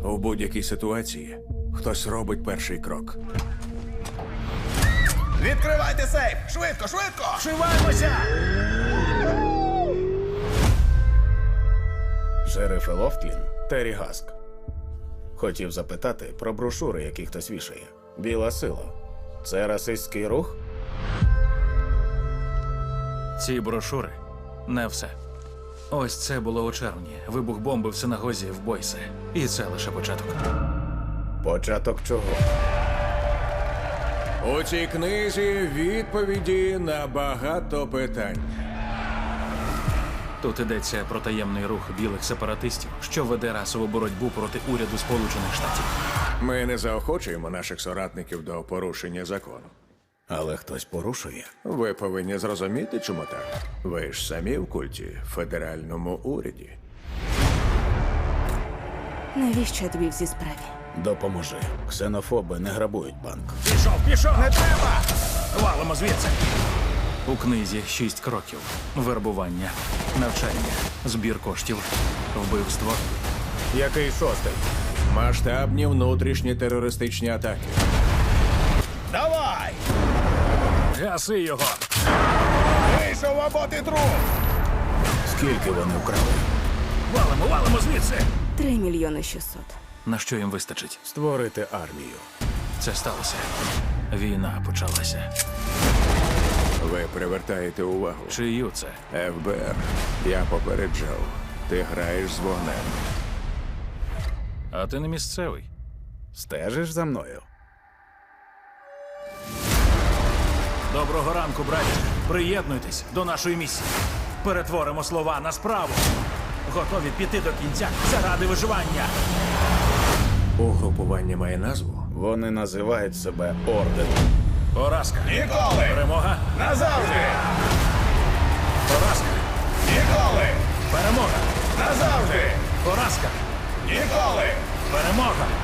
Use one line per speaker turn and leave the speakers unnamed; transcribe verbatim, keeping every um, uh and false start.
У будь-якій ситуації хтось робить перший крок.
Відкривайте сейф! Швидко, швидко!
Вшиваємося!
Шериф Лофтлін, Террі Гаск. Хотів запитати про брошури, які хтось вішає. Біла сила. Це расистський рух?
Ці брошури – не все. Ось це було у червні. Вибух бомби в синагозі в Бойсе. І це лише початок.
Початок чого?
У цій книзі відповіді на багато питань.
Тут йдеться про таємний рух білих сепаратистів, що веде расову боротьбу проти уряду Сполучених Штатів.
Ми не заохочуємо наших соратників до порушення закону.
Але хтось порушує.
Ви повинні зрозуміти, чому так. Ви ж самі в культі, в федеральному уряді.
Навіщо я тобі в цій справі?
Допоможи. Ксенофоби не грабують банк.
Пішов, пішов! Не треба! Валимо звідси! У книзі шість кроків. Вербування, навчання, збір коштів, вбивство.
Який шостий?
Масштабні внутрішні терористичні атаки.
Давай!
Гаси його!
Вийшов або ти труп!
Скільки вони вкрали?
Валимо, валимо звідси!
Три мільйони шістсот.
На що їм вистачить?
Створити армію.
Це сталося. Війна почалася.
Ви привертаєте увагу.
Чию це?
еф бе ер, я попереджав. Ти граєш з вогнем.
А ти не місцевий.
Стежиш за мною?
Доброго ранку, браті. Приєднуйтесь до нашої місії. Перетворимо слова на справу. Готові піти до кінця заради виживання.
Угрупування має назву.
Вони називають себе Орден.
Поразка.
Ніколи!
Перемога.
Назавжди!
Поразка.
Ніколи!
Перемога.
Назавжди!
Поразка.
Ніколи!
Перемога.